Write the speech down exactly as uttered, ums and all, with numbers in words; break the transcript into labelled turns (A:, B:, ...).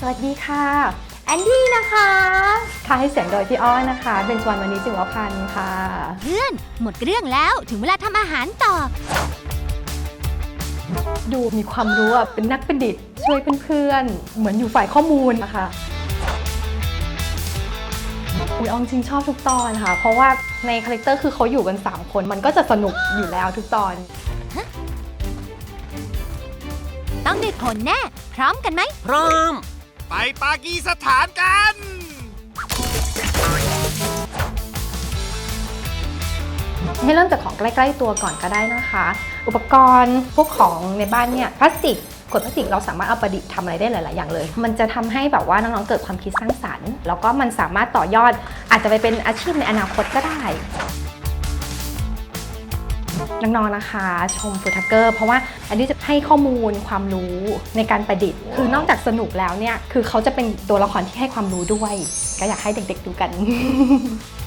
A: สวัสดีค่ะแอนดี้นะคะค่ะให้เสียงโดยพี่อ้อนนะคะเป็นชวนวันนี้จิ๋วพันธ์ค่ะ
B: เพื่อนหมดเรื่องแล้วถึงเวลาทำอาหารต่อ
A: ดูมีความรู้อ่ะเป็นนักประดิษฐ์ช่วยเพื่อนๆเหมือนอยู่ฝ่ายข้อมูลนะคะอุ้ยอ้อมจริงชอบทุกตอนค่ะเพราะว่าในคาแรคเตอร์คือเขาอยู่กันสามคนมันก็จะสนุกอยู่แล้วทุกตอน
B: ต้องได้ผลแน่พร้อมกันไหม
C: พร้อม
D: ไปปากีสถานกัน
A: ให้เริ่มจากของใกล้ๆตัวก่อนก็ได้นะคะอุปกรณ์พวกของในบ้านเนี่ยพลาสติกขวดพลาสติกเราสามารถเอาประดิษฐ์ทำอะไรได้หลายๆอย่างเลยมันจะทำให้แบบว่าน้องๆเกิดความคิดสร้างสรรค์แล้วก็มันสามารถต่อยอดอาจจะไปเป็นอาชีพในอนาคตก็ได้น้องๆนะคะชมฟูดทักเกอร์เพราะว่าอันนี้จะให้ข้อมูลความรู้ในการประดิษฐ์คือนอกจากสนุกแล้วเนี่ยคือเขาจะเป็นตัวละครที่ให้ความรู้ด้วยก็อยากให้เด็กๆดูกัน